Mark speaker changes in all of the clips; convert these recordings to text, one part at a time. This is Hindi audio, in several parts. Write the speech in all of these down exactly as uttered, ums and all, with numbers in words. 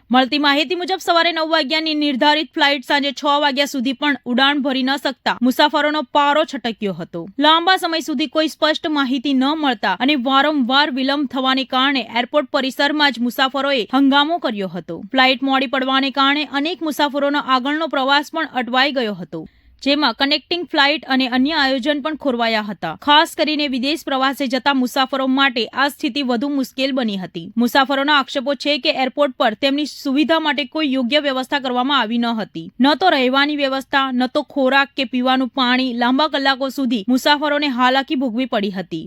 Speaker 1: મળતી માહિતી મુજબ સવારે નવ વાગ્યાની નિર્ધારિત ફ્લાઇટ સાંજે છ વાગ્યા સુધી પણ ઉડાન ભરી ન શકતા મુસાફરોનો પારો છટક્યો હતો। લાંબા સમય સુધી કોઈ સ્પષ્ટ માહિતી ન મળતા અને વારંવાર વિલંબ થવાને કારણે એરપોર્ટ પરિસરમાં જ મુસાફરોએ હંગામો કર્યો હતો। ફ્લાઇટ મોડી પડવાને કારણે અનેક મુસાફરોનો આગળનો પ્રવાસ પણ અટવાઈ ગયો હતો, જેમાં કનેક્ટિંગ ફ્લાઇટ અને અન્ય આયોજન પણ ખોરવાયા હતા। ખાસ કરીને વિદેશ પ્રવાસે જતા મુસાફરો માટે આ સ્થિતિ વધુ મુશ્કેલ બની હતી। મુસાફરોના આક્ષેપો છે કે એરપોર્ટ પર તેમની સુવિધા માટે કોઈ યોગ્ય વ્યવસ્થા કરવામાં આવી ન હતી। ન તો રહેવાની વ્યવસ્થા, ન તો ખોરાક કે પીવાનું પાણી। લાંબા કલાકો સુધી મુસાફરોને હાલાકી ભોગવી पड़ी હતી।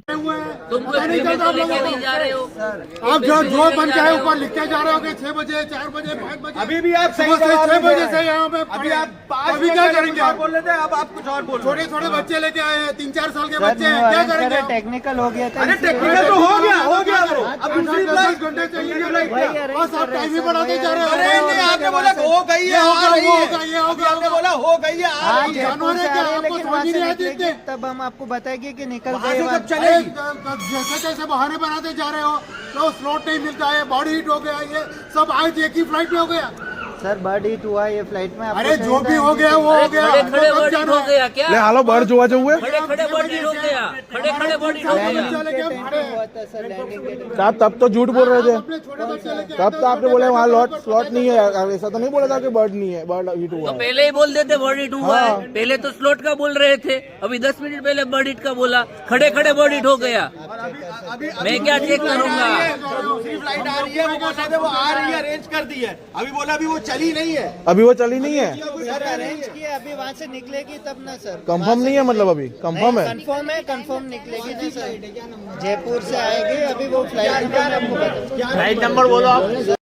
Speaker 2: आप जो जो बन के आए ऊपर लिख के जा रहे हो कि छह बजे, चार बजे, पाँच बजे, अभी भी आप सही छह बजे से यहाँ पे अभी आप अभी क्या करेंगे? आप बोल रहे थे, अब आप कुछ और बोल रहे हो। छोटे छोटे बच्चे लेके आए हैं, तीन चार साल के बच्चे हैं, क्या करेंगे?
Speaker 3: टेक्निकल हो गया था।
Speaker 2: अरे टेक्निकल तो हो गया हो गया ब्रो, अब दूसरी फ्लाइट घंटे चाहिए, बस आप टाइम ही बढ़ाते जा रहे हो। अरे नहीं, आपने बोला हो गई है, आ रही है, ये हो गया, आपने बोला हो गई है, आ रही है। जानवर है क्या? आपको समझ नहीं आती थी?
Speaker 3: तब हम आपको बताएंगे कि निकल
Speaker 2: वहाँ से
Speaker 3: गए।
Speaker 2: जब चले जैसे जैसे बहाने बनाते जा रहे हो, तो स्लॉट नहीं मिलता है, बॉडी हीट हो गया, ये सब आज एक ही फ्लाइट में हो गया।
Speaker 3: सर बर्ड हीट हुआ ये फ्लाइट में।
Speaker 2: अरे जो भी हो गया वो हो गया।
Speaker 4: खड़े बर्ड हीट हो गया क्या?
Speaker 5: ले हालो बर्ड जोवा जो हुए
Speaker 4: खड़े खड़े बर्ड हीट हो गया, खड़े खड़े बर्ड हीट हो गया।
Speaker 5: साहब तब तो झूठ बोल रहे थे,
Speaker 2: अपने छोटे बच्चे लेके
Speaker 5: तब तो आपने बोले वहाँ लॉट स्लॉट नहीं है, ऐसा तो नहीं बोला था कि बर्ड नहीं है, बर्ड हिट हुआ
Speaker 4: तो
Speaker 5: है।
Speaker 4: पहले ही बोल देते बर्ड हीट हुआ है। पहले तो स्लॉट का बोल रहे थे, अभी दस मिनट पहले बर्ड हीट का बोला। खड़े खड़े बर्ड हीट हो गया। मैं क्या चेक करूंगा?
Speaker 2: दूसरी फ्लाइट आ रही है, वो बोल रहे थे वो आ रही है, अरेंज कर दी है, अभी बोला अभी वो चली नहीं है।
Speaker 5: अभी वो चली नहीं है,
Speaker 3: सर अरेंज किया, अभी वहाँ से निकलेगी तब ना सर।
Speaker 5: कंफर्म नहीं है, मतलब अभी कंफर्म है?
Speaker 3: कंफर्म है, कंफर्म निकलेगी ना सर। जयपुर से आएगी अभी वो फ्लाइट।
Speaker 5: फ्लाइट नंबर बोलो आप।